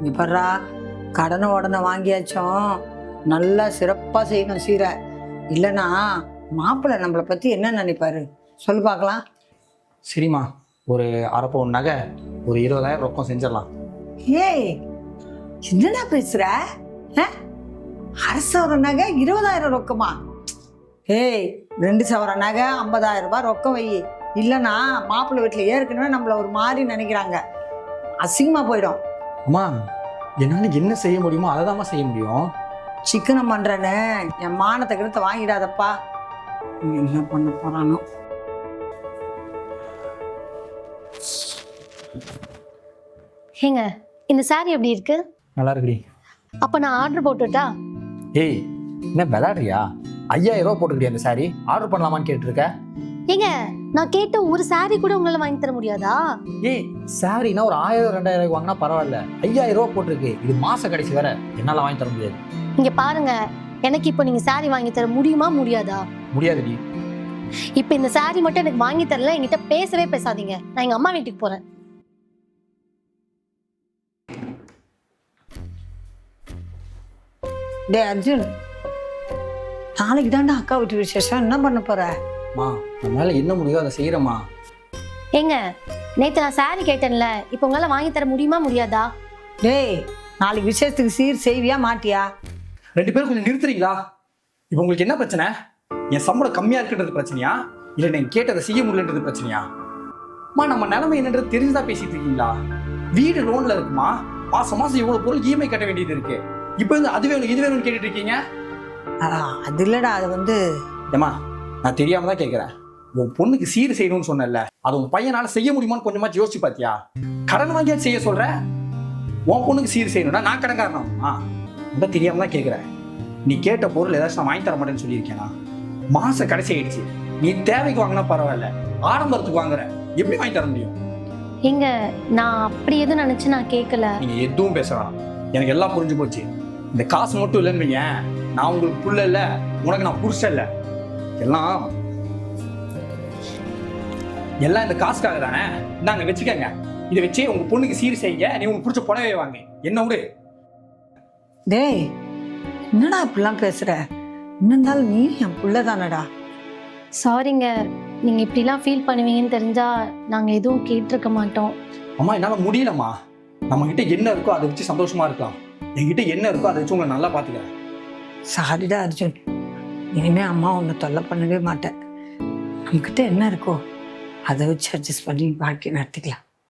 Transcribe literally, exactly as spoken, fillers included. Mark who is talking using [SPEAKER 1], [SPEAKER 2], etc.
[SPEAKER 1] இங்க பர்றா, கடனை உடனே வாங்கியாச்சும் நல்லா சிறப்பாக செய்யணும் சீரை. இல்லைன்னா மாப்பிள்ளை நம்மளை பற்றி என்ன நினைப்பாரு சொல்லு பார்க்கலாம்.
[SPEAKER 2] சரிம்மா, ஒரு அரை பவுன் நகை, ஒரு இருபதாயிரம் ரொக்கம் செஞ்சிடலாம்.
[SPEAKER 1] ஏய், என்னடா பேசுற? அரை சவரம் நகை இருபதாயிரம் ரொக்கமா? ஏய், ரெண்டு சவரம் நகை ஐம்பதாயிரம் ரூபாய் ரொக்கம் வை. இல்லைன்னா மாப்பிள்ளை வீட்டில் ஏற்கனவே நம்மள ஒரு மாதிரி நினைக்கிறாங்க, அசிங்கமாக போயிடும்.
[SPEAKER 2] அம்மா, என்னால் என்ன செய்ய முடியுமோ அதை தான்மா செய்ய முடியும்.
[SPEAKER 1] சிக்கனம் பண்ணுறேன்னு என் மானத்தை கிட்ட வாங்கிடாதப்பா. என்ன பண்ண போறானோ.
[SPEAKER 3] ஏங்க, இந்த சாரி எப்படி இருக்கு?
[SPEAKER 2] நல்லா இருக்குடி.
[SPEAKER 3] அப்ப நான் ஆர்டர் போட்டுட்டா?
[SPEAKER 2] ஏய், என்ன விளையாடுறியா? ஐயாயிரம் ரூபா போட்டுக்கிட்டே அந்த சாரி ஆர்டர் பண்ணலாமான்னு கேட்டுருக்க.
[SPEAKER 3] ஏங்க, நான் கேட்ட ஒரு சாரி கூட உங்களால வாங்கி தர முடியாதா?
[SPEAKER 2] ஏய், சாரினா ஒரு ஆயிரம் ரெண்டாயிரம் வாங்கினா பரவாயில்ல, ஐயாயிரம் ரூபா போட்டிருக்கு. இது மாச கடைசி வேற, என்னால வாங்கி தர முடியாது.
[SPEAKER 3] இங்க பாருங்க, எனக்கு இப்போ நீங்க சாரி வாங்கி தர முடியுமா முடியாதா?
[SPEAKER 2] முடியாதுடி.
[SPEAKER 3] இப்ப இந்த சாரி மட்டும் எனக்கு வாங்கி தரல, என்கிட்ட பேசவே பேசாதீங்க. நான் எங்க அம்மா வீட்டுக்கு போறேன்.
[SPEAKER 1] டே அர்ஜுன், நாளைக்கு தாண்டா அக்கா வீட்டு விசேஷம், என்ன பண்ண போற?
[SPEAKER 2] மா, நம்மளால என்ன முடியும் அதை செய்யறமா.
[SPEAKER 3] ஏங்க, நேத்து நான் சாரி கேட்டேன்ல, இப்போ உங்களால வாங்கி தர முடியுமா முடியாதா?
[SPEAKER 1] டேய், நாளைக்கு விசேஷத்துக்கு சீர் செய்வியா மாட்டியா?
[SPEAKER 2] ரெண்டு பேரும் கொஞ்சம் நிறுத்துறீங்களா? இப்போ உங்களுக்கு என்ன பிரச்சனை? என் சம்பளம் கம்மியா இருக்குன்றது பிரச்சனையா, இல்லை நான் கேட்டதை செய்ய முடியலன்றது பிரச்சனையா? மா, நம்ம நிலைமை என்னன்றது தெரிஞ்சுதான் பேசிட்டு இருக்கீங்களா? வீடு லோன்ல இருக்குமா, மாசம் மாசம் இவ்வளவு பொருள் இஎம்ஐ கட்ட வேண்டியது இருக்கு. இப்போ வந்து அது வேணும் இது வேணும்னு கேட்டுட்டு இருக்கீங்க.
[SPEAKER 1] அது இல்லடா, அது வந்து
[SPEAKER 2] ஏமா, நான் தெரியாம தான் கேட்கிறேன். உன் பொண்ணுக்கு சீர் செய்யணும்னு சொன்னல, அது உன் பையனால செய்ய முடியுமான்னு கொஞ்சமா யோசிச்சு பாத்தியா? கடன் வாங்கியாச்சு செய்ய சொல்ற. உன் பொண்ணுக்கு சீர் செய்யணும்னா நான் கடன் காரணம்? ஆ, உனக்கு தெரியாம தான் கேட்கிறேன். நீ கேட்ட பொருள் ஏதாச்சும் நான் வாங்கி தர மாட்டேன்னு சொல்லியிருக்கேனா? மாச கடைசி ஆயிடுச்சு. நீ தேவைக்கு வாங்கினா பரவாயில்ல, ஆடம்பரத்துக்கு வாங்குற, எப்படி வாங்கி தர முடியும்?
[SPEAKER 3] எங்க, நான் அப்படி எதுவும் நினைச்சு நான் கேட்கல.
[SPEAKER 2] நீங்க எதுவும் பேசலாம், எனக்கு எல்லாம் புரிஞ்சு போச்சு. இந்த காசு மட்டும் இல்லைன்னு வையேன், நான் உங்களுக்கு புள்ள இல்ல, உனக்கு நான் புருஷன் இல்ல. எல்லாம் எல்லாம் இந்த காசுக்காக தானே. நாங்க வச்சுக்கங்க, இதை வச்சு உங்க பொண்ணுக்கு சீர் செய்ய, நீ உங்க புடிச்ச புடவை வாங்க. என்ன விடு.
[SPEAKER 1] டேய், என்னடா இப்படிலாம் பேசுற? இருந்தாலும் நீ என் புள்ள தானடா.
[SPEAKER 3] சாரிங்க, நீங்க இப்படிலாம் ஃபீல் பண்ணுவீங்கன்னு தெரிஞ்சா நாங்க எதுவும் கேட்டிருக்க மாட்டோம்.
[SPEAKER 2] அம்மா, என்னால முடியலம்மா. நம்ம கிட்ட என்ன இருக்கோ அதை வச்சு சந்தோஷமா இருக்கலாம். என்கிட்ட என்ன இருக்கோ அதை வச்சு உங்களை நல்லா பாத்துக்கிறேன்.
[SPEAKER 1] சாரிடா அர்ஜுன், இனிமே அம்மா உன்னை தொல்லை பண்ணவே மாட்டேன். நம்மக்கிட்ட என்ன இருக்கோ அதை வச்சு அட்ஜஸ்ட் பண்ணி வாழ்க்கை நடத்திக்கலாம்.